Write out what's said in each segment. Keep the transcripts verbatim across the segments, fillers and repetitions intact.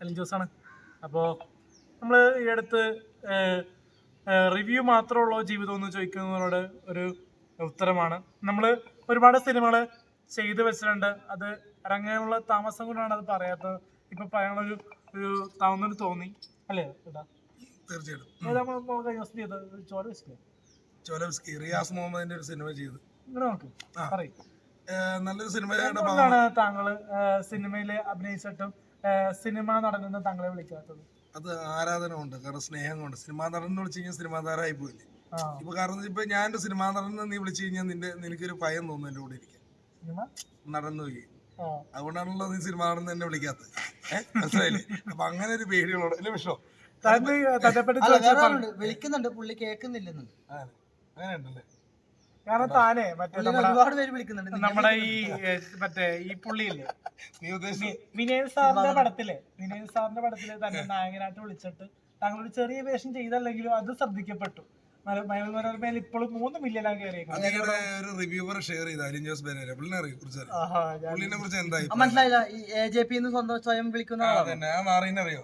അലിൻ ജോസാണ്. അപ്പോൾ നമ്മൾ ഈ അടുത്ത് റിവ്യൂ മാത്രമുള്ള ജീവിതം എന്ന് ചോദിക്കുന്നതിനോട് ഒരു ഉത്തരമാണ്. നമ്മൾ ഒരുപാട് സിനിമകൾ ചെയ്തു വെച്ചിട്ടുണ്ട്. അത് ഇറങ്ങാനുള്ള താമസം കൊണ്ടാണ് അത് പറയാത്തത്. ഇപ്പം പറയാനുള്ളൊരു ഒരു താവുന്നൊരു തോന്നി അല്ലേ ഏട്ടാ? തീർച്ചയായിട്ടും ചോലവ്സ്കി റിയാസ് മുഹമ്മദിന്റെ ഒരു സിനിമ ചെയ്തു. ഇങ്ങനെ നോക്ക് പറയും. നല്ലൊരു സിനിമയുടെ എന്തുകൊണ്ടാണ് താങ്കള് സിനിമയിൽ അഭിനയിച്ചിട്ടും സിനിമ നടനെന്ന് താങ്കളെ വിളിക്കാത്തത്? അത് ആരാധന കൊണ്ട്, കാരണം സ്നേഹം കൊണ്ട്. സിനിമാ നടൻ വിളിച്ചു കഴിഞ്ഞാൽ സിനിമാ താരമായി പോയില്ലേ ഇപ്പൊ. കാരണം ഇപ്പൊ ഞാൻ എന്റെ സിനിമാ നടൻ നീ വിളിച്ചു കഴിഞ്ഞാൽ നിന്റെ നിനക്കൊരു ഭയം തോന്നും എന്റെ കൂടെ ഇരിക്കാൻ. നടന്നു പോയി, അതുകൊണ്ടാണല്ലോ നീ സിനിമാ നടൻ തന്നെ വിളിക്കാത്തത്. ഏഹ് മനസ്സിലായില്ലേ? അപ്പൊ അങ്ങനെ ഒരു പേടികളോട് അല്ലേ വിഷോ വിളിക്കുന്നുണ്ട്, പുള്ളി കേൾക്കുന്നില്ലെന്ന്. അങ്ങനെ ഉണ്ടല്ലേ? കാരണം താനേ മറ്റേ ഒരുപാട് പേര് വിളിക്കുന്നുണ്ട്. നമ്മുടെ ഈ മറ്റേ ഈ പുള്ളിയില്ലേ വിനയൻ സാറിന്റെ പടത്തില് വിനയൻ സാറിന്റെ പടത്തില് തന്നെ നായകനായിട്ട് വിളിച്ചിട്ട് താങ്കളൊരു ചെറിയ വേഷം ചെയ്തല്ലെങ്കിലും അത് ശ്രദ്ധിക്കപ്പെട്ടു. മനോരമയിൽ ഇപ്പോഴും മൂന്ന് മില്യനാണ് കയറിയേക്കുന്നത്. ഒരു റിവ്യൂവർ ഷെയർ ചെയ്ത അലിൻ ജോസ് പെരേര പുള്ളിനെ കുറിച്ച് എന്തായി മനസ്സിലായില്ല. ഈ എ ജെ പി സ്വയം വിളിക്കുന്ന അറിയോ?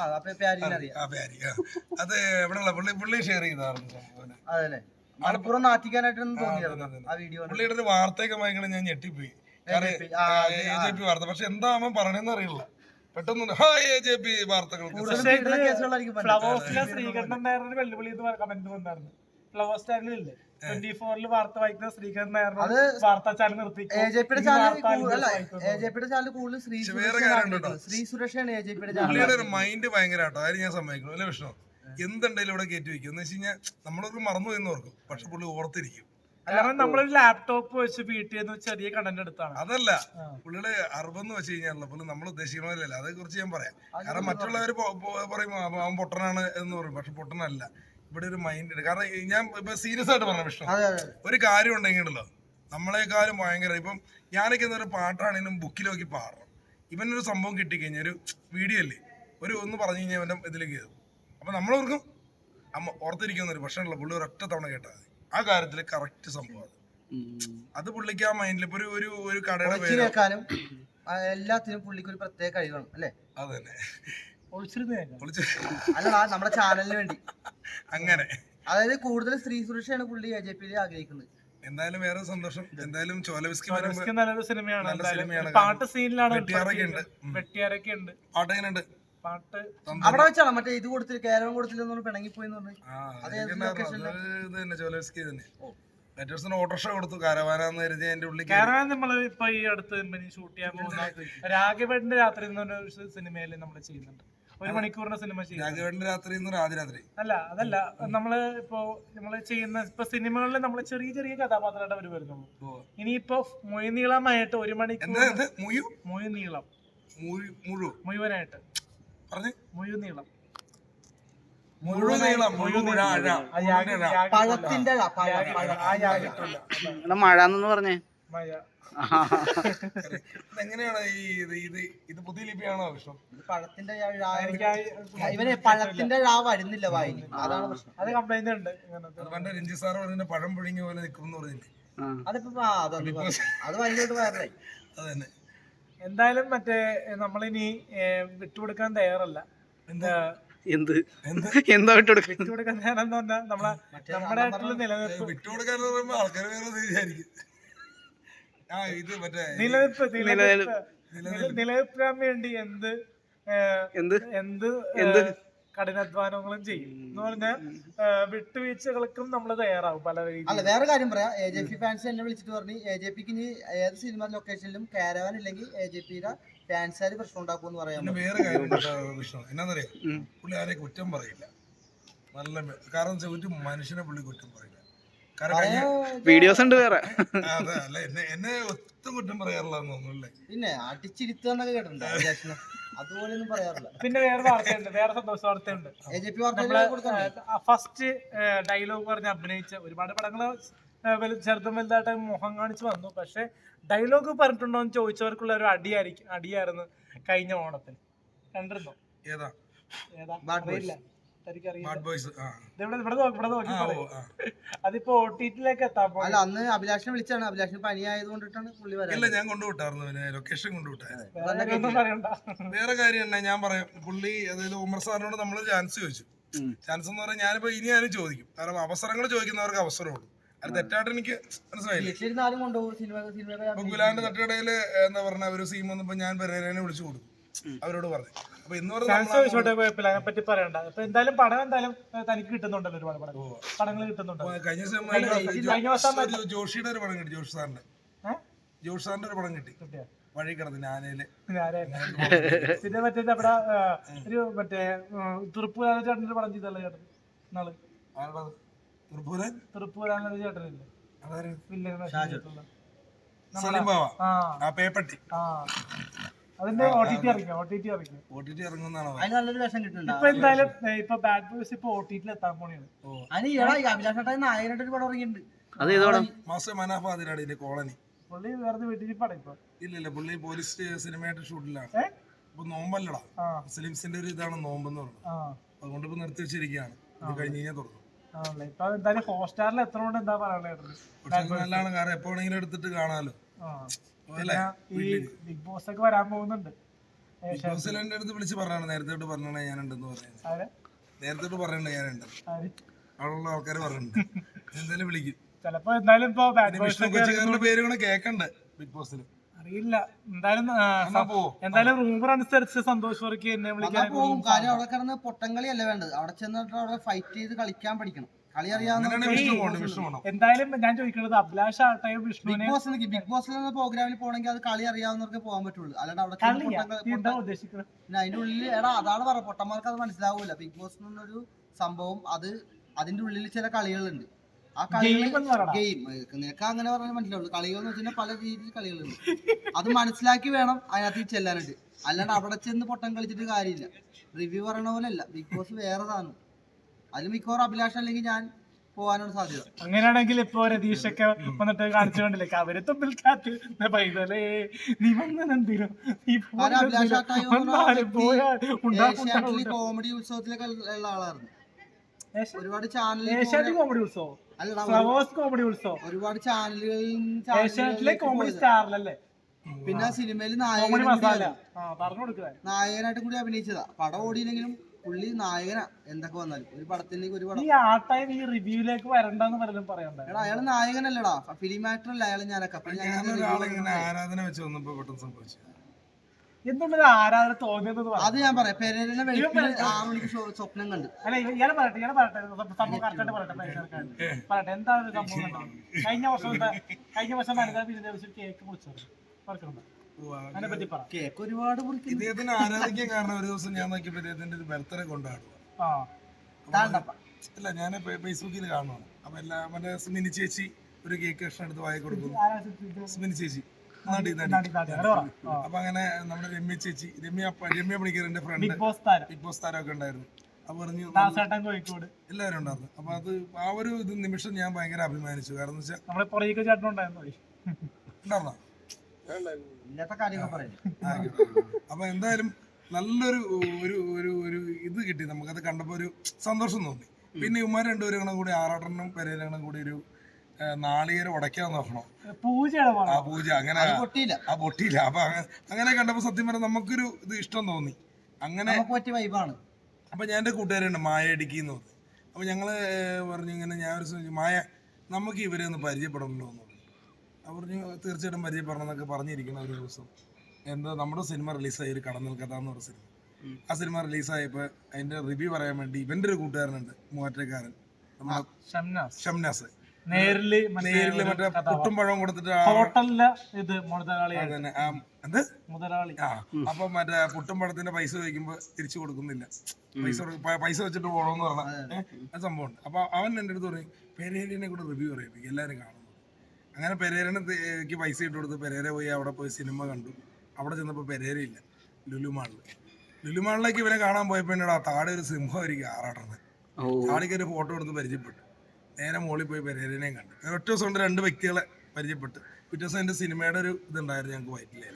അത് എവിടെയുള്ള പുള്ളി പുള്ളി ഷെയർ ചെയ്തായിരുന്നു. അതല്ലേ മലപ്പുറം നാട്ടിക്കാനായിട്ടൊന്നും തോന്നിയായിരുന്നു ആ വീഡിയോ. പുള്ളിയുടെ ഒരു വാർത്തയൊക്കെ വായിക്കണം, ഞാൻ ഞെട്ടിപ്പോയി. വാർത്ത പക്ഷെ എന്താ അവൻ പറഞ്ഞെന്ന് അറിയില്ല. പെട്ടെന്ന് വാർത്തകൾ ഫ്ലവേഴ്സിലെ ശ്രീകണ്ഠൻ നായരുടെ വെല്ലുവിളി എന്ന് കമന്റ് വന്നായിരുന്നു. ഫ്ലവേഴ്സ് ചാനലില്ലേ ട്വന്റി ഫോറിൽ വാർത്ത വായിക്കുന്ന ശ്രീകണ്ഠൻ നായരുടെ വാർത്താ ചാനൽ നിർത്തി എ ജെ പിയുടെ ചാനൽ കൂടുതൽ ശ്രീ സുരക്ഷയാണ് എ ജെ പിയുടെ ചാനൽ. ഒരു മൈൻഡ് ഭയങ്കരമായിട്ടോ, അതായത് ഞാൻ സമ്മതിക്കണം അല്ലേ വിഷ്ണു? എന്തുണ്ടെങ്കിലും ഇവിടെ കയറ്റി വെക്കും എന്ന് വെച്ച് കഴിഞ്ഞാൽ നമ്മളൊക്കെ മറന്നു എന്ന് ഓർക്കും, പക്ഷെ പുള്ളി ഓർത്തിരിക്കും. കാരണം നമ്മളൊരു ലാപ്ടോപ്പ് വെച്ച് വീട്ടിൽ നിന്ന് ചെറിയ കണ്ടന്റ് എടുത്താണ്. അതല്ല പുള്ളിയുടെ അറിവെന്ന് വെച്ച് കഴിഞ്ഞാൽ പുള്ളി നമ്മൾ ഉദ്ദേശിക്കണമല്ലോ. അതേ കുറിച്ച് ഞാൻ പറയാം. കാരണം മറ്റുള്ളവർ പറയും അവൻ പൊട്ടനാണ് എന്ന് പറയും, പക്ഷെ പൊട്ടനല്ല. ഇവിടെ ഒരു മൈൻഡ് ഉണ്ട്. കാരണം ഞാൻ ഇപ്പൊ സീരിയസ് ആയിട്ട് പറഞ്ഞ വിഷ്ണു, ഒരു കാര്യം ഉണ്ടെങ്കിലോ നമ്മളെക്കാളും ഭയങ്കര ഇപ്പം ഞാനൊക്കെ എന്നൊരു പാട്ടാണെങ്കിലും ബുക്കിൽ നോക്കി പാടണം. ഇവനൊരു സംഭവം കിട്ടിക്കഴിഞ്ഞാൽ ഒരു വീഡിയോ അല്ലേ ഒരു ഒന്ന് പറഞ്ഞു കഴിഞ്ഞാൽ ഇവന്റെ ഇതിലേക്ക് കയറും. അപ്പൊ നമ്മളോർക്കും അമ്മ ഓർത്തിരിക്കുന്നൊരു പ്രശ്നമുള്ള പുള്ളി ഒരൊറ്റ തവണ കേട്ടാൽ മതി. ആ കാര്യത്തില് കറക്റ്റ് സംഭവം അത് പുള്ളിക്ക് ആ മൈൻഡിൽ ഇപ്പൊ ഒരു ഒരു കടയുടെ പേര് എല്ലാത്തിനും പുള്ളിക്ക് ഒരു പ്രത്യേക കഴിവാണ് അല്ലേ? അത് തന്നെ അല്ല നമ്മുടെ ചാനലിന് വേണ്ടി അങ്ങനെ. അതായത് കൂടുതൽ സ്ത്രീ സുരക്ഷയാണ് പുള്ളി എ ജെ പിയിൽ ആഗ്രഹിക്കുന്നത്. എന്തായാലും വേറെ സന്തോഷം. എന്തായാലും ചോലവ്സ്കി നല്ലൊരു സിനിമയാണ്. പാട്ട് സീനിലാണ് വെട്ടിയാരൊക്കെ ഉണ്ട്. പാട്ട് എങ്ങനെയുണ്ട്? പാട്ട് അവിടെ വെച്ചാണ് മറ്റേ ഇത് കൊടുത്തില്ല, കേരളം കൊടുത്തില്ല പിണങ്ങിപ്പോയിന്ന് പറഞ്ഞു. ചോലവ്സ്കി തന്നെ ഓട്ടോറിക്ഷ കൊടുത്തു കാരവാനാന്ന് കരുതി എന്റെ ഉള്ളിൽ. കാരവാൻ നമ്മള് ഇപ്പൊ ഈ അടുത്ത് ഷൂട്ട് ചെയ്യാൻ പോകുന്ന രാഘവേട്ടന്റെ രാത്രി എന്നൊരു സിനിമയിൽ നമ്മൾ ചെയ്യുന്നുണ്ട്. ഒരു മണിക്കൂറിന്റെ സിനിമ ചെയ്യും. രാഘവേട്ടന്റെ രാത്രി രാത്രി അല്ല അതല്ല, നമ്മള് ഇപ്പൊ നമ്മള് ചെയ്യുന്ന ഇപ്പൊ സിനിമകളിൽ നമ്മള് ചെറിയ ചെറിയ കഥാപാത്രമായിട്ട് അവർ വരുന്നുള്ളൂ. ഇനിയിപ്പോ മൊയ്നീളമായിട്ട് ഒരു മണിക്കൂർ മൊയ്നീളം മുഴുവനായിട്ട് മുഴുനീളം പഴത്തിന്റെ മഴ എന്ന് പറഞ്ഞേ മഴ. എങ്ങനെയാണ് ഈ ഇത് ഇത് പുതിയ ലിപിയാണോ വിഷ്ണു? പഴത്തിന്റെ ഇവന് പഴത്തിന്റെ ഴ വരുന്നില്ല വായിന്, അതാണ് പ്രശ്നം. അത് കംപ്ലൈന്റ് ഉണ്ട്. പണ്ട് രഞ്ജി സാറ് പറഞ്ഞ പഴം പുഴുങ്ങിയ പോലെ നിൽക്കും പറഞ്ഞില്ലേ? അതിപ്പോ അത് ഭയങ്കരമായിട്ട് വയറലായി. അത് തന്നെ. എന്തായാലും മറ്റേ നമ്മളിനി വിട്ടുകൊടുക്കാൻ തയ്യാറല്ല. എന്താ എന്ത് എന്താ വിട്ടുകൊടുക്കാൻ വിട്ടുകൊടുക്കാൻ തയ്യാറെന്ന് പറഞ്ഞാൽ നമ്മളെ നമ്മുടെ ആയിട്ടുള്ള നിലനിൽപ്പ് വിട്ടുകൊടുക്കാൻ പറയുമ്പോ ആൾക്കാർ വേറെ വിചാരിക്കും. നിലനിൽപ്പ് നിലനിൽക്കാൻ വേണ്ടി എന്ത് എന്ത് എന്ത് എന്ത് കഠിനാധ്വാനങ്ങളും ചെയ്യും എന്ന് പറഞ്ഞാൽ വിട്ടുവീഴ്ചകൾക്കും നമ്മൾ തയ്യാറാവും പല രീതിയിൽ. അല്ല വേറെ കാര്യം പറയാം, എ ജെ പി ഫാൻസ് എന്നെ വിളിച്ചിട്ട് പറഞ്ഞു എ ജെ പിക്ക് ഇനി ഏത് സിനിമ ലൊക്കേഷനിലും കാരവാൻ ഇല്ലെങ്കിൽ എ ജെ പിയുടെ ഫാൻസുകാർ പ്രശ്നം ഉണ്ടാക്കുമെന്ന് പറയാം. വേറെ കാര്യം വിഷ്ണു എന്നാന്നറിയാം, പുള്ളി ആരെ കുറ്റം പറയില്ല. നല്ല കാരണം ഒരു മനുഷ്യനെ പുള്ളി കുറ്റം പറയില്ല. വീഡിയോസ് ഉണ്ട് വേറെ. അതെ അല്ല എന്നെ എന്നെ ഒത്തും കുറ്റം പറയാറില്ലെന്ന് തോന്നുന്നല്ലേ? പിന്നെ അടിച്ചിരുത്തുന്നൊക്കെ കേട്ടിട്ടുണ്ട്, അതുപോലെയൊന്നും പറയാറില്ല. പിന്നെ വേറെ വാർത്തയുണ്ട്, വേറെ സന്തോഷ വാർത്തയുണ്ട്. ഫസ്റ്റ് ഡയലോഗ് പറഞ്ഞ് അഭിനയിച്ച ഒരുപാട് പടങ്ങള് ചെറുതും വലുതായിട്ട് മുഖം കാണിച്ച് വന്നു. പക്ഷെ ഡയലോഗ് പറഞ്ഞിട്ടുണ്ടോ എന്ന് ചോദിച്ചവർക്കുള്ള ഒരു അടിയായിരിക്കും അടിയായിരുന്നു കഴിഞ്ഞ ഓണത്തിന്. കണ്ടിരുന്നോ? ഏതാ ഏതാ അറിയില്ല. എനിക്കറിയില്ല. ബാഡ് ബോയ്സ് ആ ഇതിവിടെ ഇവിടെ നോക്കി ഇവിടെ നോക്കി ആ, ഓ, പറയും. ആ. അതിപ്പോ ഒ ടി ടിയിലേക്ക് എത്താൻ അല്ല പോകും. അന്ന് അഭിലാഷിനെ വിളിച്ചാണ്, അഭിലാഷിന് പനി ആയതുകൊണ്ടിട്ടാണ് പുള്ളി ഇല്ല വരാൻ. ഞാൻ കൊണ്ടുവിട്ടായിരുന്നു പിന്നെ ലൊക്കേഷൻ കൊണ്ടുവിട്ടായിരുന്നു. വേറെ കാര്യമൊന്നും പറയണ്ട. വേറെ കാര്യം തന്നെ ഞാൻ പറയാം, പുള്ളി അതായത് ഉമർ സാറിനോട് നമ്മൾ ചാൻസ് ചോദിച്ചു. ഉം. ചാൻസ് എന്ന് പറഞ്ഞാൽ ഞാനിപ്പോ ഇനി ഞാനും ചോദിക്കും, കാരണം അവസരങ്ങൾ ചോദിക്കുന്നവർക്ക് അവസരമുള്ളൂ. അത് തെറ്റായിട്ട് എനിക്ക് മനസ്സിലായില്ല. വീട്ടിലിരുന്നാലും കൊണ്ടുപോകും സിനിമ സിനിമ ഇപ്പൊ ഗുലാന്റെ തട്ടുകടയില് എന്താ പറഞ്ഞ ഒരു സീൻ വന്നപ്പോ ഞാൻ പെരേരനെ വിളിച്ചു കൊടുത്തു, അവരോട് പറഞ്ഞു. അപ്പൊ എന്ന് ചാൻസ് പറഞ്ഞാൽ ചോദിച്ചോട്ടെ, കുഴപ്പമില്ല, അതിനെ പറ്റി പറയണ്ട. ഇപ്പൊ എന്തായാലും പടം എന്തായാലും ഏഹ്, തനിക്ക് കിട്ടുന്നുണ്ടല്ലോ, ഒരുപാട് പടം പടങ്ങൾ കിട്ടുന്നുണ്ടല്ലോ. കഴിഞ്ഞ ദിവസം കഴിഞ്ഞ ദിവസം- കഴിഞ്ഞ ദിവസം ഒരു ജോഷിയുടെ ഒരു പടം കിട്ടി, ജോഷി സാറിന്റെ ഏഹ്? ജോഷി സാറിന്റെ ഒരു പടം കിട്ടി, കിട്ടിയോ? വഴി കിടന്ന് ആനയില്. ഞാനായിരുന്നു. പിന്നെ മറ്റേ അവിടെ ഏഹ്, ഒരു മറ്റേ തൃപ്പൂരാന ചേട്ടൻ്റെ പടം ചെയ്തല്ലോ ചേട്ടൻ നാള്. തൃപ്പൂരൻ തൃപ്പൂരാന ചേട്ടനില്ലേ അതാര്? വില്ലൻ വേഷം ചെയ്തിട്ടുള്ള. സലീം ബാവ ആ ആ പേപ്പട്ടി ആ അതിന്റെ ഒ ടി ടി ഇറങ്ങിയോ? ഒ ടി ടി ഇറങ്ങിയോ? ഒ ടി ടി ഇറങ്ങുന്നതാണോ? അതിന് നല്ലൊരു വേഷം കിട്ടുന്നുണ്ട്. ഇപ്പൊ എന്തായാലും ഏഹ്, ഇപ്പൊ ബാഡ് ബോയ്സ് ഇപ്പൊ ഒ ടി ടിയിൽ എത്താൻ പോണെയാണ്. അതിന് ഈടാ ഈ അഭിലാഷ് ഏട്ടാ നായകനായിട്ട് ഒരു പടം ഇറങ്ങിയിട്ടുണ്ട്. അത് ഏതോടാ? മാസ്റ്റർ മനാഫ അതിനാണ് ഇതിന്റെ കോളനി. പുള്ളി വേറെ വീട്ടിൽ പടം ഇപ്പൊ ഇല്ല ഇല്ല പുള്ളി പോലീസ് സിനിമയായിട്ട് ഷൂട്ടിലാണ്. ഏഹ്? ഇപ്പൊ നോമ്പല്ലടാ, ആ മുസ്ലിംസിന്റെ ഒരു ഇതാണ് നോമ്പെന്ന് പറഞ്ഞത്. ആ അതുകൊണ്ട് ഇപ്പൊ നിർത്തി വെച്ചിരിക്കുകയാണ്. ഇത് കഴിഞ്ഞ് കഴിഞ്ഞാൽ തുറന്നു. ആണല്ലേ. ഇപ്പൊ എന്തായാലും ഹോട്ട്സ്റ്റാറിൽ എത്ര കൊണ്ട് എന്താ പറയാനുള്ളത്? പക്ഷെ അത് നല്ലതാണ്, കാരണം എപ്പോ വേണമെങ്കിലും എടുത്തിട്ട് കാണാലോ. ആ അല്ലേ? ഈ ബിഗ് ബോസ് ഒക്കെ വരാൻ പോകുന്നുണ്ട്. ബിഗ് ബോസിൽ എന്റെ അടുത്ത് വിളിച്ച് പറഞ്ഞാണ്, നേരത്തെ തൊട്ട് പറഞ്ഞാണ് ഞാനുണ്ടെന്ന് പറയുന്നത്. ആര്? നേരത്തെ തൊട്ട് പറയണ്ട ഞാനുണ്ട്, ആര്? അവിടെയുള്ള ആൾക്കാർ പറയുന്നുണ്ട്. എന്തായാലും വിളിക്കും. ചിലപ്പോ എന്തായാലും ഇപ്പൊ ബാഡ് പിന്നെ ബോയ്സ് വിഷ്ണു കൊച്ചുകാരന്റെ പേര് കൂടെ കേക്കണ്ട് ബിഗ് ബോസിൽ. അറിയില്ല. എന്തായാലും ആ, എന്നാ പോവോ? എന്തായാലും റൂമർ അനുസരിച്ച് സന്തോഷ് വർക്കി എന്നെ എന്നാ വിളിക്കാൻ പോകും. കാര്യം അവിടെ കിടന്ന് പൊട്ടങ്കളി അല്ല വേണ്ടത്, അവിടെ ചെന്നിട്ട് അവിടെ ഫൈറ്റ് ചെയ്ത് കളിക്കാൻ പഠിക്കണം. കളി അറിയാവുന്ന അങ്ങനെയാണെങ്കിൽ വിഷ്ണു പോകണം, വിഷ്ണു പോകണം. എന്തായാലും ഞാൻ ചോദിക്കുന്നത് അഭിലാഷ് ആട്ടെയും ബിഗ് വിഷ്ണുവിനെ ബോസ് ബിഗ് ബോസിൽ നിന്ന് പ്രോഗ്രാമിൽ പോകണമെങ്കിൽ അത് കളി അറിയാവുന്നവർക്ക് പോകാൻ പറ്റുള്ളൂ. അല്ലാണ്ട് അവിടെ ചെന്ന് കളിയാ പൊട്ടങ്ക- നീ എന്താ പൊട്ട- ഉദ്ദേശിക്കുന്നത്? പിന്നെ അതിന്റെ ഉള്ളിൽ എടാ അതാണ് പറ പൊട്ടന്മാർക്ക് അത് മനസ്സിലാവൂല. ബിഗ് ബോസ് എന്നൊരു സംഭവം, അത് അതിന്റെ ഉള്ളിൽ ചില കളികളുണ്ട്. ആ കളികൾ Game എന്ന് പറയടാ. ഗെയിം നിനക്ക് അങ്ങനെ പറഞ്ഞാൽ മനസ്സിലാവുള്ളൂ. കളികൾ എന്ന് വെച്ചാൽ പല രീതിയിൽ കളികളുണ്ട്. അത് മനസ്സിലാക്കി വേണം അതിനകത്ത് ചെല്ലാനായിട്ട്. അല്ലാണ്ട് അവിടെ ചെന്ന് പൊട്ടം കളിച്ചിട്ട് കാര്യമില്ല. റിവ്യൂ പറയണ പോലെ അല്ല ബിഗ് ബോസ്, വേറെ സാധനം. അതിൽ മിക്കവാറും അഭിലാഷം അല്ലെങ്കിൽ ഞാൻ പോകാനാണ് സാധ്യത. അങ്ങനെയാണെങ്കിൽ ഇപ്പൊ രതീഷൊക്കെ വന്നിട്ട് കാണിച്ചു കണ്ടില്ലേ, അവര് തമ്മിൽ കാറ്റ് പൈതലേ നീ വന്നെന്തിനോ നീ കാരണം അഭിലാഷ് ആട്ടായി വന്നാലും പോയാ ഉണ്ടാ ഏഷ്യാനെറ്റിൽ കോമഡി ഉത്സവത്തിലൊക്കെ ഉള്ള ആളായിരുന്നു. ഒരുപാട് ഏഷ്യാനെറ്റ് ചാനലിൽ കോമഡി ഉത്സവം, അല്ലടാ ഫ്ലവേഴ്സ് കോമഡി ഉത്സവം, ഒരുപാട് ചാനലുകളിൽ ഏഷ്യാനെറ്റിലെ കോമഡി സ്റ്റാറിലല്ലേ, പിന്നെ സിനിമയിൽ കോമഡി മസാല. നായകൻ ആ പറഞ്ഞു കൊടുക്കുക. നായകനായിട്ട് കൂടി അഭിനയിച്ചതാ. പടം ഓടിയില്ലെങ്കിലും പുള്ളി നായകനാ. എന്തൊക്കെ വന്നാലും ഒരു പടത്തിലേക്ക് ഒരു പടം. ഈ ആട്ടായി ഈ റിവ്യൂലേക്ക് വരണ്ടെന്ന് പലരും പറയണ്ടായി. എടാ അയാള് നായകനല്ലടാ, ഫിലിം ആക്ടർ അല്ല അയാള്. ഞാനൊക്കെ അപ്പൊ ഞാൻ ഞാനൊരാളിങ്ങനെ ആരാധന വെച്ച് വന്നപ്പോ പെട്ടെന്ന് സംഭവിച്ചു. എന്തുകൊണ്ടൊരു ആരാധന തോന്നിയെന്ന് അത് പറഞ്ഞു. ഞാൻ പറയാം. പെരേരനെ വെളുപ്പിന് ആറ് മണിക്ക് സ്വ- സ്വപ്നം കണ്ട്. അല്ല ഇവ- ഇയാളെ പറയട്ടെ ഇയാളെ പറയട്ടെ സംഭവം കറക്റ്റായിട്ട് പറയട്ടെ പരിസരക്കാര് പറയട്ടെ എന്താ ഒരു സംഭവം കണ്ടോ? കഴിഞ്ഞ വർഷം എന്താ കഴിഞ്ഞ വർഷം വനിതാ വിരുദ്ധ കേക്ക് മുറിച്ചത് പറക്കണോ? അതിനെ പറ്റി പറ. കേക്ക് ഒരുപാട് മുറിക്കുന്നു. ഇദ്ദേഹത്തിന് ആരാധിക്കാൻ കാരണം ഒരു ദിവസം ഞാൻ നോക്കിയപ്പോ ഇദ്ദേഹത്തിന്റെ ഒരു ബർത്ത്ഡേ കൊണ്ടാടുക. ആ താണ്ടപ്പ ഇല്ല ഞാൻ ഫേസ്ബുക്കിൽ കാണുവാണ്. അപ്പൊ എല്ലാ മറ്റേ സ്മിനി ചേച്ചി ഒരു കേക്ക് കഷ്ണം എടുത്ത് വായി കൊടുക്കുന്നു. ആരാ ഇത്? സ്മിനി ചേച്ചി നടി നടി. നാട്ടി നാട്ടി അങ്ങനെ പറ. ആ. അപ്പൊ അങ്ങനെ നമ്മുടെ രമ്യ ചേച്ചി, രമ്യ പ- രമ്യ പണിക്കറിന്റെ ഫ്രണ്ട് ബിഗ് ബോസ് താരം ബിഗ് ബോസ് താരമൊക്കെ ഉണ്ടായിരുന്നു. അപ്പൊ പറഞ്ഞു ദാസേട്ടൻ കോഴിക്കോട് എല്ലാവരും ഉണ്ടായിരുന്നു. അപ്പൊ അത് ആ ഒരു ഇത് നിമിഷം ഞാൻ ഭയങ്കര അഭിമാനിച്ചു. കാരണം എന്ന് വെച്ചാൽ നമ്മളെ പുറകെ ചേട്ടൻ ഉണ്ടായിരുന്നു. ഉണ്ടായിരുന്നോ? ഇല്ലാത്ത കാര്യങ്ങൾ പറയുന്നത്. ആയിക്കോട്ടെ. അപ്പൊ എന്തായാലും നല്ലൊരു ഒരു ഒരു ഒരു ഇത് കിട്ടി നമുക്കത് കണ്ടപ്പോ ഒരു സന്തോഷം തോന്നി. പിന്നെ ഇവന്മാർ രണ്ടുപേരും കൂടി ആറാട്ടെണ്ണം പെരേരങ്ങളും കൂടി ഒരു ആ, നാളികേരം ഉടയ്ക്കാൻ നോക്കണം. പൂജയുടെ ആ പടം. പൂജ അങ്ങനെ അത് പൊട്ടിയില്ല. ആ പൊട്ടിയില്ല. അപ്പൊ അങ്ങ- അങ്ങനെ കണ്ടപ്പോ സത്യം പറഞ്ഞാൽ നമുക്കൊരു ഇത് ഇഷ്ടം തോന്നി. അങ്ങനെ നമുക്ക് പറ്റിയ വൈബാണ്. അപ്പൊ ഞാൻ എൻ്റെ കൂട്ടുകാരുണ്ട് മായ ഇടുക്കി എന്ന് പറഞ്ഞു. അപ്പൊ ഞങ്ങള് പറഞ്ഞു ഇങ്ങനെ ഞാൻ ഒരു ദിവസം മായ നമുക്ക് ഇവരെ ഒന്ന് പരിചയപ്പെടണമല്ലോ എന്ന് പറഞ്ഞു. അവർ പറഞ്ഞു തീർച്ചയായിട്ടും പരിചയപ്പെടണം എന്നൊക്കെ പറഞ്ഞിരിക്കണം. ഒരു ദിവസം എന്താ നമ്മുടെ സിനിമ റിലീസായി, ഒരു കടന്നൽ കഥ എന്ന് പറഞ്ഞ സിനിമ. ആ സിനിമ റിലീസായപ്പോൾ അതിന്റെ റിവ്യൂ പറയാൻ വേണ്ടി ഇവന്റെ ഒരു കൂട്ടുകാരനുണ്ട്, മൂവാറ്റക്കാരൻ, നമ്മുടെ ഷംനാസ് ഷംനാസ്. നേരില് മറ്റേ നേരില് ഒരു മറ്റേ കഥാപാത്രം. പുട്ടും പഴവും കൊടുത്തിട്ട് ആ- ഹോട്ടലിലെ ഇത് മുതലാളി അതന്നെ ആ എന്ത് മുതലാളി ആ അപ്പൊ മറ്റേ പുട്ടും പഴത്തിന്റെ പൈസ ചോദിക്കുമ്പോ തിരിച്ചു കൊടുക്കുന്നില്ല. പൈസ കൊടു- പ- പൈസ വെച്ചിട്ട് പോകണമെന്ന് പറഞ്ഞ ആ സംഭവമുണ്ട്. അപ്പൊ അവൻ എൻ്റെ അടുത്ത് പറയും പെരേരനെ കൂടെ റിവ്യൂ പറയിപ്പിക്കും, എല്ലാവരും കാണുന്നു. അങ്ങനെ പെരേരനക്ക് പൈസ ഇട്ട് കൊടുത്ത് പെരേര പോയി അവിടെ പോയി സിനിമ കണ്ടു. അവിടെ ചെന്നപ്പോൾ പെരേര ഇല്ല, ലുലുമാളിൽ. ലുലുമാളിലേക്ക് ഇവനെ കാണാൻ പോയപ്പോ എന്നോട് ആ താഴെ ഒരു സിംഹമായിരിക്കും ആറാടുന്നത്. താളിക്ക് ഒരു ഫോട്ടോ എടുത്ത് പരിചയപ്പെട്ടു. നേരെ മുകളിൽ പോയി പെരേരനെയും കണ്ടു. ഒറ്റ ദിവസം കൊണ്ട് രണ്ട് വ്യക്തികളെ പരിചയപ്പെട്ട്. പിറ്റേ ദിവസം എൻ്റെ സിനിമയുടെ ഒരു ഇതുണ്ടായിരുന്നു ഞങ്ങൾക്ക് വയറ്റിലേല്.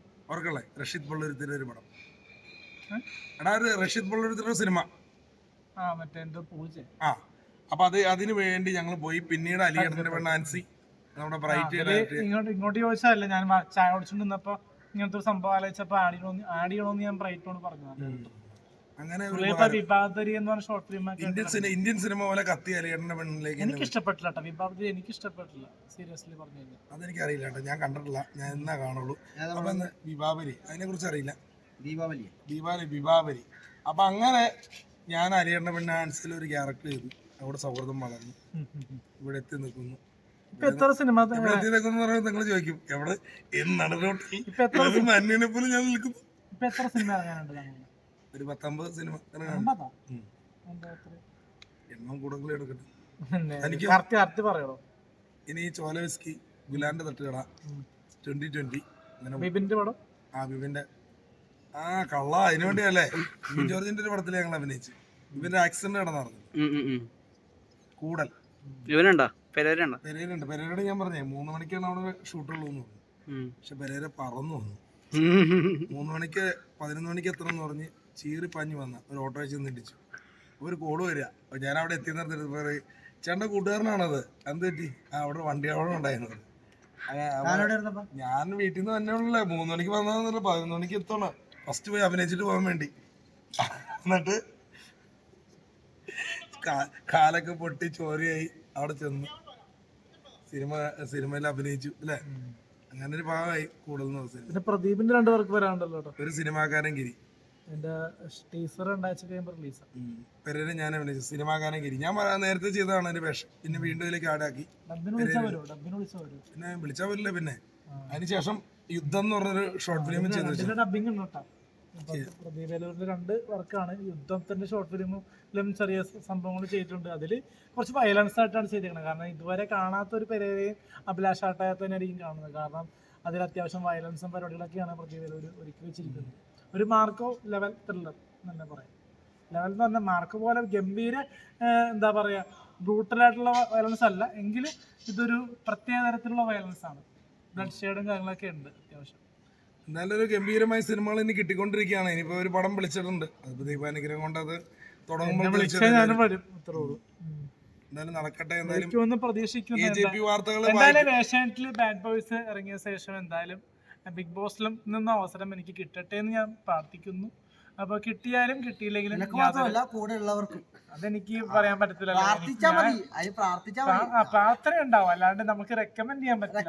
ഓർക്കല്ലേ റഷീദ് പള്ളുരുത്തിൻ്റെ ഒരു പടം. എടാ ഒരു റഷീദ് പള്ളുരുത്തിൻ്റെ സിനിമ ആ മറ്റേ എന്തോ പൂജ. ആ അപ്പൊ അത് അതിന് വേണ്ടി ഞങ്ങൾ പോയി. പിന്നീട് അലിയേട്ടന്റെ പെണ്ണ് നാൻസി നമ്മുടെ ബ്രൈറ്റ് ഇങ്ങോട്ട് ഇങ്ങോട്ട് ചോദിച്ചതല്ല, ഞാൻ വ- ചായ കുടിച്ചോണ്ട് നിന്നപ്പോ ഇങ്ങനത്തെ ഒരു സംഭവം ആലോചിച്ചപ്പോ ആഡ് ചെയ്യണമെന്ന് ആഡ് ചെയ്യണമെന്ന് ഞാൻ ബ്രൈറ്റോട് പറഞ്ഞു. അങ്ങനെ പുള്ളിയിപ്പോ വിഭാഗത്തരി എന്ന് പറഞ്ഞ ഷോർട്ട് ഫിലിം ഒക്കെ ഇന്ത്യൻ സിനിമ ഇന്ത്യൻ സിനിമ പോലെ കത്തി അലിയേട്ടന്റെ പെണ്ണിലേക്ക് എനിക്ക് ഇഷ്ടപ്പെട്ടില്ല കേട്ടോ. വിഭാഗത്തിൽ എനിക്ക് ഇഷ്ടപ്പെട്ടില്ല, സീരിയസ്ലി പറഞ്ഞു കഴിഞ്ഞാൽ. അതെനിക്ക് അറിയില്ല കേട്ടോ, ഞാൻ കണ്ടിട്ടില്ല, ഞാൻ എന്നാ കാണുള്ളൂ. അപ്പൊ ഇന്ന് വിഭാവരി അതിനെ കുറിച്ച് അറിയില്ല. ദീപാവലി ദീപാവലി വിഭാവരി. അപ്പൊ അങ്ങനെ ഞാൻ അലിയേട്ടന്റെ പെണ്ണ് ആൻസിൽ ഒരു ക്യാരക്ടർ ചെയ്തു. അവിടെ സൗഹൃദം വളർന്നു, ഇവിടെ എത്തി നിൽക്കുന്നു. ഇപ്പൊ എത്ര സിനിമ ഇവിടെ എത്തി നിൽക്കുന്നു പറയുമ്പോൾ നിങ്ങൾ ചോദിക്കും എവിടെ എന്താണ് അന്യനെ പോലും ഞാൻ നിൽക്കുന്നു. ഇപ്പൊ എത്ര സിനിമ ഇറങ്ങാനുണ്ട് താങ്കൾ? ഒരു പത്തൊമ്പത് സിനിമ അമ്പതാ? എണ്ണം കൂടുതൽ എടുക്കട്ടെ. എനിക്ക് കറക്റ്റ് കറക്റ്റ് പറയണോ? ഇനി ചോല വിസ്കി, ഗുലാന്റെ തട്ടുകട, ട്വന്റി ട്വന്റി, ബിബിന്റെ പടം. ആ ബിബിന്റെ ആ കള്ള അതിനു വേണ്ടിയല്ലേ ബിബിൻ ജോർജിന്റെ ഒരു പടത്തിൽ ഞങ്ങൾ അഭിനയിച്ചു. ഇവന്റെ ആക്സിഡന്റ് നടന്നു. കൂടൽ ഇവനുണ്ടോ? പെരേരുണ്ടോ? പെരേരുണ്ട്. പെരേരോട് ഞാൻ പറഞ്ഞേ മൂന്ന് മണിക്കാണ് അവിടെ ഷൂട്ടുള്ളൂ എന്ന് പറഞ്ഞു. പക്ഷെ പെരേര പറന്നു വന്നു. മൂന്ന് മണിക്ക് പതിനൊന്ന് മണിക്ക് എത്തണം എന്ന് പറഞ്ഞ് ചീറി പാഞ്ഞു വന്ന ഒരു ഓട്ടോ വെച്ച് നിന്നിടിച്ചു. ഒരു കോള് വരിക. അപ്പൊ ഞാൻ അവിടെ എത്തി നിർത്തിട്ട് പറയും ചേട്ടൻ്റെ കൂട്ടുകാരനാണത്, എന്ത് പറ്റി? ആ അവിടെ വണ്ടി അവിടെ ഉണ്ടായിരുന്നത്. ഞാൻ വീട്ടിൽ നിന്ന് തന്നെ ഉള്ളേ. മൂന്ന് മണിക്ക് വന്നതെന്നല്ല, പതിനൊന്ന് മണിക്ക് എത്തണം ഫസ്റ്റ് പോയി അഭിനയിച്ചിട്ട് പോകാൻ വേണ്ടി. എന്നിട്ട് കാലൊക്കെ പൊട്ടി ചോരയായി അവിടെ ചെന്ന് സിനിമ സിനിമയിൽ അഭിനയിച്ചു അല്ലേ. അങ്ങനെ ഒരു ഭാഗമായി കൂടുതൽ. പ്രദീപിന്റെ രണ്ടു പേർക്ക് വരാണ്ടല്ലോ. ഒരു സിനിമാക്കാരൻ ഗിരി എന്റെ ടീസർ രണ്ടാഴ്ച കഴിയുമ്പോൾ റിലീസ്. പെരേരെ ഞാൻ അഭിനയിച്ചു സിനിമാക്കാരൻ ഗിരി. ഞാൻ നേരത്തെ ചെയ്തതാണ് എന്റെ വേഷം. പിന്നെ വീണ്ടും ഇതിലേക്ക് ആടാക്കി. പിന്നെ വിളിച്ചാൽ വരില്ല. പിന്നെ അതിനുശേഷം യുദ്ധം എന്ന് പറഞ്ഞൊരു ഷോർട്ട് ഫിലിം ചെയ്തു. ഡബിങ് ഉണ്ട് കേട്ടോ. പ്രദീപ് വേലൂരിന്റെ രണ്ട് വർക്കാണ്. യുദ്ധത്തിന്റെ ഷോർട്ട് ഫിലിമിലും ചെറിയ സംഭവങ്ങൾ ചെയ്തിട്ടുണ്ട്. അതിൽ കുറച്ച് വയലൻസ് ആയിട്ടാണ് ചെയ്തിരിക്കുന്നത്. കാരണം ഇതുവരെ കാണാത്ത ഒരു പെരേരെയും അഭിലാഷ് ആട്ടായ തന്നെ ആയിരിക്കും കാണുന്നത്. കാരണം അതിൽ അത്യാവശ്യം വയലൻസും പരിപാടികളൊക്കെയാണ് പ്രദീപ് വേലൂർ ഒരുക്കി വെച്ചിരിക്കുന്നത്. ഒരു മാർക്കോ ലെവൽ ത്രില്ലർ തന്നെ പറയാം. ലെവൽ എന്ന് പറഞ്ഞാൽ മാർക്ക് പോലെ ഗംഭീര എന്താ പറയാ ബ്രൂട്ടലായിട്ടുള്ള വയലൻസ് അല്ല, എങ്കിലും ഇതൊരു പ്രത്യേക തരത്തിലുള്ള വയലൻസ് ആണ്. ബ്ലഡ് ഷെയ്ഡും കാര്യങ്ങളൊക്കെ ഉണ്ട് അത്യാവശ്യം. എന്നാലും ഒരു ഗംഭീരമായ സിനിമകൾ ഇനി കിട്ടിക്കൊണ്ടിരിക്കുകയാണ്. ഇനിയിപ്പോ ഒരു പടം വിളിച്ചിട്ടുണ്ട്. അതിപ്പോ ദീപാനുഗ്രഹം കൊണ്ട് അത് തുടങ്ങുമ്പോൾ എന്തായാലും നടക്കട്ടെ. എന്തായാലും പ്രതീക്ഷിക്കുന്നു. വാർത്തകൾ എന്തായാലും ഏഷ്യാനെറ്റിൽ ബാഡ് ബോയ്സ് ഇറങ്ങിയ ശേഷം എന്തായാലും ബിഗ് ബോസിലും നിന്ന് അവസരം എനിക്ക് കിട്ടട്ടെ എന്ന് ഞാൻ പ്രാർത്ഥിക്കുന്നു. അപ്പൊ കിട്ടിയാലും കിട്ടിയില്ലെങ്കിലും കൂടെ ഉള്ളവർക്കും അതെനിക്ക് പറയാൻ പറ്റത്തില്ല. പ്രാർത്ഥന ഉണ്ടാവും, അല്ലാണ്ട് നമുക്ക് റെക്കമെൻഡ് ചെയ്യാൻ പറ്റില്ല.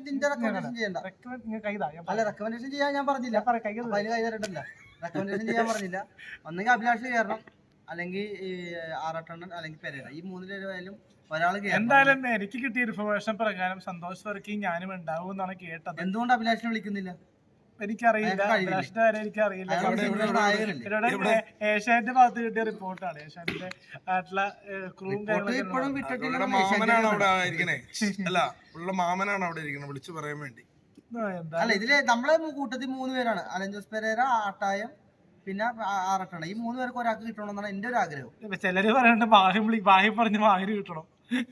റെക്കമെൻഡേഷൻ ചെയ്യാൻ ഞാൻ പറഞ്ഞില്ല, റെക്കമെൻഡേഷൻ ചെയ്യാൻ പറഞ്ഞില്ല. ഒന്നെങ്കിൽ അഭിലാഷ് കയറണം, അല്ലെങ്കിൽ ആറാട്ടണ്ണൻ, അല്ലെങ്കിൽ പെരേര. ഈ മൂന്ന് പേരും ഒരാൾ. എന്തായാലും എനിക്ക് കിട്ടിയ ഇൻഫർമേഷൻ പ്രകാരം സന്തോഷ് വർക്കിംഗ് ഞാനും ഉണ്ടാവും എന്നാണ് കേട്ടത്. എന്തുകൊണ്ട് അഭിലാഷിനെ വിളിക്കുന്നില്ല എനിക്കറിയില്ല. അഭിലാഷിന്റെ കാര്യം എനിക്കറിയില്ല. ഏഷ്യാന്റെ ഭാഗത്ത് കിട്ടിയ റിപ്പോർട്ടാണ്. ഏഷ്യാന്റെ ആയിട്ടുള്ള ക്രൂവും കാര്യങ്ങളൊക്കെ മാമനാണ് അവിടെ ഇരിക്കണേ. അല്ല ഉള്ള മാമനാണ് അവിടെ ഇരിക്കണേ വിളിച്ചു പറയാൻ വേണ്ടി. അല്ല ഇതില് നമ്മളെ കൂട്ടത്തിൽ മൂന്ന് പേരാണ്. അലൻ ജോസ് പെരേര, ആട്ടായം, പിന്നെ ആറട്ടണ. ഈ മൂന്ന് പേർക്ക് ഒരാൾക്ക് കിട്ടണമെന്നാണ് എന്റെ ഒരു ആഗ്രഹം. ചിലര് പറയണ്ട ബാഹ്യം വിളി ബാഹ്യം പറഞ്ഞ് മാഹിന് കിട്ടണം.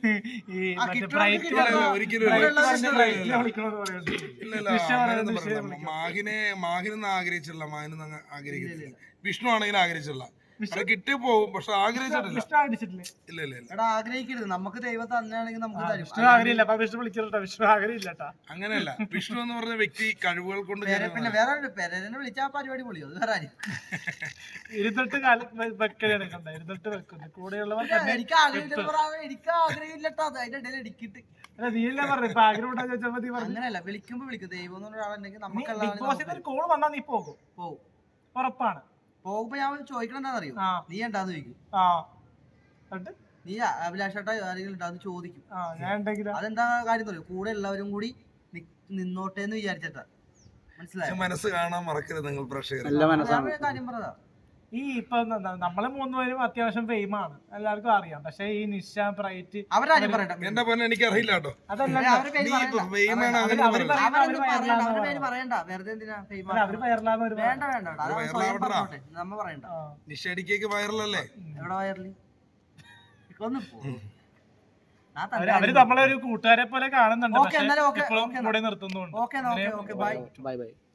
മാഹിനെ മാഹിനൊന്നും ആഗ്രഹിച്ചില്ല, മാഹിനൊന്നും ആഗ്രഹിക്കുന്നില്ല. വിഷ്ണു ആണെങ്കിലും ആഗ്രഹിച്ചില്ല. കിട്ടി പോകും, പക്ഷെ ആഗ്രഹിച്ചിട്ടില്ല. ഇല്ല ഇല്ല എടാ ആഗ്രഹിക്കരുത്. നമുക്ക് ദൈവം തന്നെയാണെങ്കിൽ നമുക്ക് തരും. അങ്ങനെയല്ല. വിഷ്ണു എന്ന് പറഞ്ഞ വ്യക്തി കഴിവുകൾ കൊണ്ട് പിന്നെ വേറെ പെരേരനെ വിളിച്ചാൽ പരിപാടി പൊളിയോ? അത് വേറെ ഇരുന്നിട്ട് കൂടെയുള്ളവർ എനിക്ക് ആഗ്രഹം എനിക്ക് ആഗ്രഹമില്ലട്ടോ. അതിന്റെ ഇടയിൽ ഇടിക്കിട്ട് അങ്ങനെയല്ല, വിളിക്കുമ്പോ വിളിക്കും. ദൈവം എന്ന് പറഞ്ഞ ഒരാളുണ്ടെങ്കിൽ നമുക്ക് കോൾ വന്നാൽ നീ പോകും പോകും ഉറപ്പാണ്. പോകുമ്പോ ഞാൻ ചോദിക്കണം എന്താണെന്നറിയോ? നീ ഉണ്ടാന്ന് ചോദിക്കും. നീ അഭിലാഷേട്ടാ ആരെങ്കിലും ഉണ്ടാന്ന് ചോദിക്കും. അതെന്താ കാര്യം അറിയോ? കൂടെ എല്ലാവരും കൂടി നിന്നോട്ടെ എന്ന് വിചാരിച്ചിട്ടാ. മനസ്സിലായോ? മനസ്സ് കാണാൻ മറക്കരുത് നിങ്ങൾ പ്രേക്ഷകർ. കാര്യം പറഞ്ഞതാ. ഈ ഇപ്പൊ നമ്മളെ മൂന്നുപേരും അത്യാവശ്യം ഫെയിമാണ്, എല്ലാവർക്കും അറിയാം. പക്ഷെ ഈ നിഷ ബ്രൈറ്റ് അവരാരും പറയണ്ട. എന്റെ പോലെ എനിക്ക് അറിയില്ല കേട്ടോ. അവരുടെ പറയണ്ട. വെറുതെ എന്തിനാ വേണ്ട വേണ്ട നമ്മ പറയണ്ട. നിഷടിക്കേക്ക് വൈറലല്ലേ? എവിടെ വൈറല്? അവര് നമ്മളെ ഒരു കൂട്ടുകാരെ പോലെ കാണുന്നുണ്ട്. ഓക്കെ കൂടെ നിർത്തുന്നുണ്ട്. Okay bye bye by.